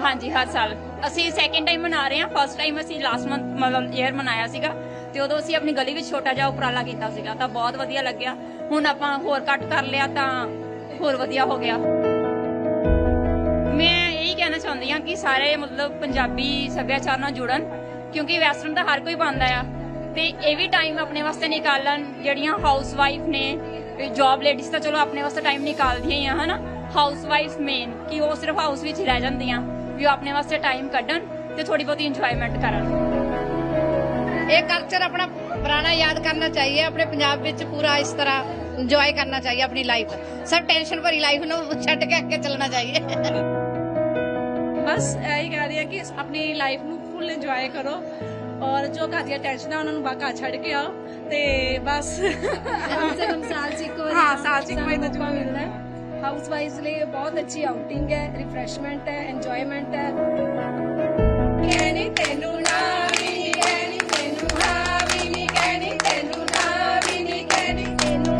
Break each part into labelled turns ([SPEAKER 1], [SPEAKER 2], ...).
[SPEAKER 1] हाँ जी, हर साल ਅਸੀਂ ਸੈਕਿੰਡ ਟਾਈਮ ਮਨਾ ਰਹੇ ਹਾਂ। ਫਸਟ ਟਾਈਮ ਅਸੀਂ ਲਾਸਟ ਮੰਥ ਮਤਲਬ ਈਅਰ ਮਨਾਇਆ ਸੀਗਾ ਤੇ ਉਦੋਂ ਅਸੀਂ ਆਪਣੀ ਗਲੀ ਵਿੱਚ ਛੋਟਾ ਜਿਹਾ ਉਪਰਾਲਾ ਕੀਤਾ ਸੀਗਾ ਤਾਂ ਬਹੁਤ ਵਧੀਆ ਲੱਗਿਆ। ਹੁਣ ਆਪਾਂ ਹੋਰ ਕੱਟ ਕਰ ਲਿਆ ਤਾਂ ਹੋਰ ਵਧੀਆ ਹੋ ਗਿਆ। ਮੈਂ ਇਹੀ ਕਹਿਣਾ ਚਾਹੁੰਦੀ ਹਾਂ ਕਿ ਸਾਰੇ ਮਤਲਬ ਪੰਜਾਬੀ ਸੱਭਿਆਚਾਰ ਨਾਲ ਜੁੜਨ, ਕਿਉਂਕਿ ਵੈਸਟਰਨ ਤਾਂ ਹਰ ਕੋਈ ਪਾਉਂਦਾ ਆ ਤੇ ਇਹ ਵੀ ਟਾਈਮ ਆਪਣੇ ਵਾਸਤੇ ਨਿਕਾਲਣ। ਜਿਹੜੀਆਂ ਹਾਊਸ ਵਾਈਫ ਨੇ, ਜੌਬ ਲੇਡੀਜ਼ ਤਾਂ ਚਲੋ ਆਪਣੇ ਵਾਸਤੇ ਟਾਈਮ ਨਿਕਾਲਦੀਆਂ ਹੀ ਆ ਹਨਾ। ਹਾਊਸ ਵਾਈਫ ਮੇਨ ਕਿ ਉਹ ਸਿਰਫ ਹਾਊਸ ਵਿੱਚ ਰਹਿ ਜਾਂਦੀਆਂ, ਵੀ ਉਹ ਆਪਣੇ ਵਾਸਤੇ ਟਾਈਮ ਕੱਢਣ ਤੇ ਥੋੜੀ ਬਹੁਤੀ ਇੰਜॉयमेंट ਕਰਨ।
[SPEAKER 2] ਇਹ ਕਲਚਰ ਆਪਣਾ ਪੁਰਾਣਾ ਯਾਦ ਕਰਨਾ ਚਾਹੀਏ। ਆਪਣੇ ਪੰਜਾਬ ਵਿੱਚ ਪੂਰਾ ਇਸ ਤਰ੍ਹਾਂ ਇੰਜੋਏ ਕਰਨਾ चाहिए अपनी लाइफ। सब टेंशन भरी लाइफ ਨੂੰ ਛੱਡ ਕੇ ਅੱਗੇ ਚੱਲਣਾ ਚਾਹੀਏ।
[SPEAKER 3] बस यही कह रही है कि अपनी लाइफ ਨੂੰ फुल इंजॉय करो और जो घर ਦੀਆਂ ਟੈਨਸ਼ਨਾਂ ਉਹਨਾਂ ਨੂੰ ਬਾਕਾ ਛੱਡ ਕੇ ਆਓ ਤੇ ਬਸ
[SPEAKER 4] कम से कम साल से एक
[SPEAKER 3] हाँ, साल से एक बार तो
[SPEAKER 4] मौका मिलता है। हाउस वाइज लिए बहुत अच्छी आउटिंग है, रिफ्रेशमेंट है, एंजॉयमेंट है। कहनी तेनू ना भी नी कहनी तेनू हाँ भी नी कहनी तेनू ना भी नी कहनी तेनू।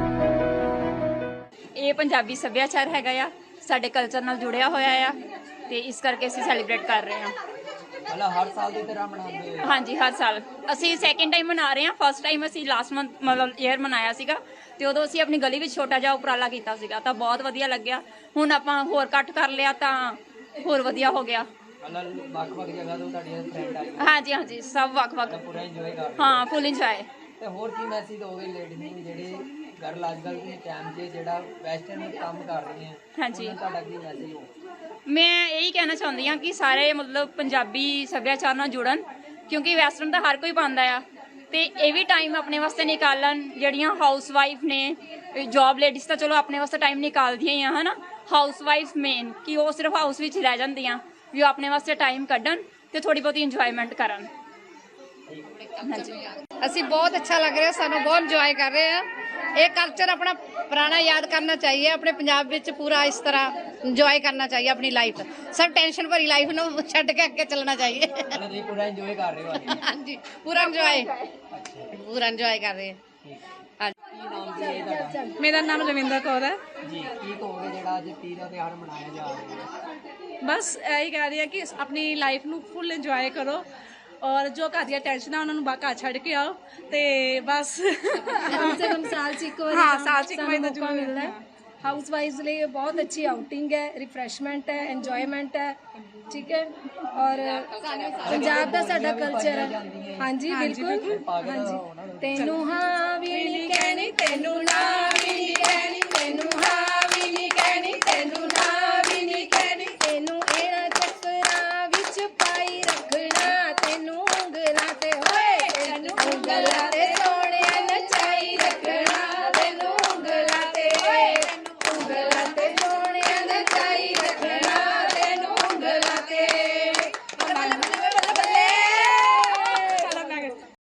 [SPEAKER 1] ਇਹ ਪੰਜਾਬੀ ਸੱਭਿਆਚਾਰ ਹੈਗਾ ਆ, ਸਾਡੇ ਕਲਚਰ ਨਾਲ ਜੁੜਿਆ ਹੋਇਆ ਆ ਤੇ ਇਸ ਕਰਕੇ ਅਸੀਂ ਸੈਲੀਬ੍ਰੇਟ ਕਰ ਰਹੇ ਹਾਂ।
[SPEAKER 5] मतलब हर साल की तरह मनाते हो?
[SPEAKER 1] ਹਾਂਜੀ, ਹਰ ਸਾਲ ਅਸੀਂ ਸੈਕਿੰਡ ਟਾਈਮ ਮਨਾ ਰਹੇ ਹਾਂ। ਫਸਟ ਟਾਈਮ ਅਸੀਂ ਲਾਸਟ ਮੰਥ ਮਤਲਬ ਈਅਰ ਮਨਾਇਆ ਸੀਗਾ ਤੇ ਉਦੋਂ ਅਸੀਂ ਆਪਣੀ ਗਲੀ ਵਿੱਚ ਛੋਟਾ ਜਿਹਾ ਉਪਰਾਲਾ ਕੀਤਾ ਸੀਗਾ ਤਾਂ ਬਹੁਤ ਵਧੀਆ ਲੱਗਿਆ। ਹੁਣ ਆਪਾਂ ਹੋਰ ਕੱਟ ਕਰ ਲਿਆ ਤਾਂ ਹੋਰ ਵਧੀਆ ਹੋ ਗਿਆ।
[SPEAKER 5] मतलब ਵੱਖ-ਵੱਖ ਜਗ੍ਹਾ ਤੋਂ ਤੁਹਾਡੀਆਂ ਫਰੈਂਡ ਆਈ
[SPEAKER 1] ਹਾਂਜੀ ਹਾਂਜੀ, ਸਭ ਵੱਖ-ਵੱਖ।
[SPEAKER 5] ਪੂਰਾ ਇੰਜੋਏ ਕਰ ਰਹੇ
[SPEAKER 1] ਹਾਂ, ਫੁੱਲ ਇੰਜੋਏ।
[SPEAKER 5] ਤੇ ਹੋਰ ਕੀ ਮੈਸੇਜ ਦੋਗੇ ਲੇਡੀਜ਼ ਨੂੰ ਜਿਹੜੇ ਗਰਲ ਅੱਜ ਕੱਲ੍ਹ ਦੇ ਟਾਈਮ 'ਚ ਜਿਹੜਾ ਵੈਸਟਰਨ ਕੰਮ ਕਰ ਰਹੀਆਂ,
[SPEAKER 1] ਹਾਂਜੀ।
[SPEAKER 5] ਉਹਨਾਂ ਤੁਹਾਡਾ ਕੀ ਮੈਸੇਜ ਹੋ?
[SPEAKER 1] ਮੈਂ ਇਹੀ ਕਹਿਣਾ ਚਾਹੁੰਦੀ ਹਾਂ ਕਿ ਸਾਰੇ ਮਤਲਬ ਪੰਜਾਬੀ ਸੱਭਿਆਚਾਰ ਨਾਲ ਜੁੜਨ, ਕਿਉਂਕਿ ਵੈਸਟਰਨ ਤਾਂ ਹਰ ਕੋਈ ਪਾਉਂਦਾ ਆ ਤੇ ਇਹ ਵੀ ਟਾਈਮ ਆਪਣੇ ਵਾਸਤੇ ਨਿਕਾਲਣ। ਜਿਹੜੀਆਂ ਹਾਊਸ ਵਾਈਫ ਨੇ, ਜੌਬ ਲੇਡੀਜ਼ ਤਾਂ ਚਲੋ ਆਪਣੇ ਵਾਸਤੇ ਟਾਈਮ ਨਿਕਾਲਦੀਆਂ ਹੀ ਆ ਹਨਾ। ਹਾਊਸ ਵਾਈਫ ਮੇਨ ਕਿ ਉਹ ਸਿਰਫ ਹਾਊਸ ਵਿੱਚ ਰਹਿ ਜਾਂਦੀਆਂ, ਵੀ ਉਹ ਆਪਣੇ ਵਾਸਤੇ ਟਾਈਮ ਕੱਢਣ ਤੇ ਥੋੜੀ ਬਹੁਤੀ ਇੰਜॉयमेंट ਕਰਨ। ਹਾਂਜੀ,
[SPEAKER 2] ਅਸੀਂ ਬਹੁਤ ਅੱਛਾ ਲੱਗ ਰਿਹਾ, ਸਾਨੂੰ ਬਹੁਤ ਇੰਜੋਏ ਕਰ ਰਹੇ ਆ। ਇਹ ਕਲਚਰ ਆਪਣਾ ਪੁਰਾਣਾ ਯਾਦ ਕਰਨਾ ਚਾਹੀਏ। ਆਪਣੇ ਪੰਜਾਬ ਵਿੱਚ ਪੂਰਾ ਇਸ ਤਰ੍ਹਾਂ ਇੰਜੋਏ ਕਰਨਾ ਚਾਹੀਏ ਆਪਣੀ ਲਾਈਫ। ਸਭ ਟੈਨਸ਼ਨ ਭਰੀ ਲਾਈਫ ਨੂੰ ਛੱਡ ਕੇ ਅੱਗੇ ਚੱਲਣਾ ਚਾਹੀਏ।
[SPEAKER 5] ਮਤਲਬ ਤੁਸੀਂ ਪੂਰਾ ਇੰਜੋਏ ਕਰ ਰਹੇ ਹੋ ਅੱਜ?
[SPEAKER 2] ਹਾਂਜੀ, ਪੂਰਾ ਇੰਜੋਏ ਕਰ ਰਹੇ ਹਾਂ।
[SPEAKER 5] ਕੀ ਨਾਮ ਜੀ ਹੈ ਤੁਹਾਡਾ?
[SPEAKER 3] ਮੇਰਾ ਨਾਮ ਰਵਿੰਦਰ ਕੌਰ ਹੈ
[SPEAKER 5] ਜੀ, ਕੀ ਕਹੋਗੇ ਜਿਹੜਾ ਅੱਜ ਤੀਜ ਦਾ ਤਿਉਹਾਰ ਮਨਾਇਆ ਜਾ ਰਿਹਾ ਹੈ?
[SPEAKER 3] ਬਸ ਇਹੀ ਕਹਿ ਰਹੀ ਹੈ ਕਿ ਆਪਣੀ ਲਾਈਫ ਨੂੰ ਫੁੱਲ ਇੰਜੋਏ ਕਰੋ और जो घर ਦੀਆਂ ਟੈਨਸ਼ਨਾਂ ਉਹਨਾਂ ਨੂੰ ਬਾਕਾ ਛੱਡ ਕੇ ਆਓ ਤੇ ਬਸ
[SPEAKER 4] कम से कम साल से एक
[SPEAKER 3] हाँ, साल से एक बार तो
[SPEAKER 4] मौका
[SPEAKER 3] जरूर
[SPEAKER 4] मिलता है। हाउस वाइज लिए बहुत अच्छी आउटिंग है, रिफ्रेशमेंट है, एंजॉयमेंट है। ठीक है, और पंजाब का साडा कल्चर है। हाँ जी, बिल्कुल। हाँ जी, तेनू हाँ भी नी कहनी तेनू ना भी नी कहनी तेनू हाँ भी नी कहनी तेनू ना भी नी कहनी तेनू एना चक्करां विच पाई रखना तेनू ਉਂਗਲਾਂ ਤੇ ਹੋਏ तेनू ਉਂगਲਾਂ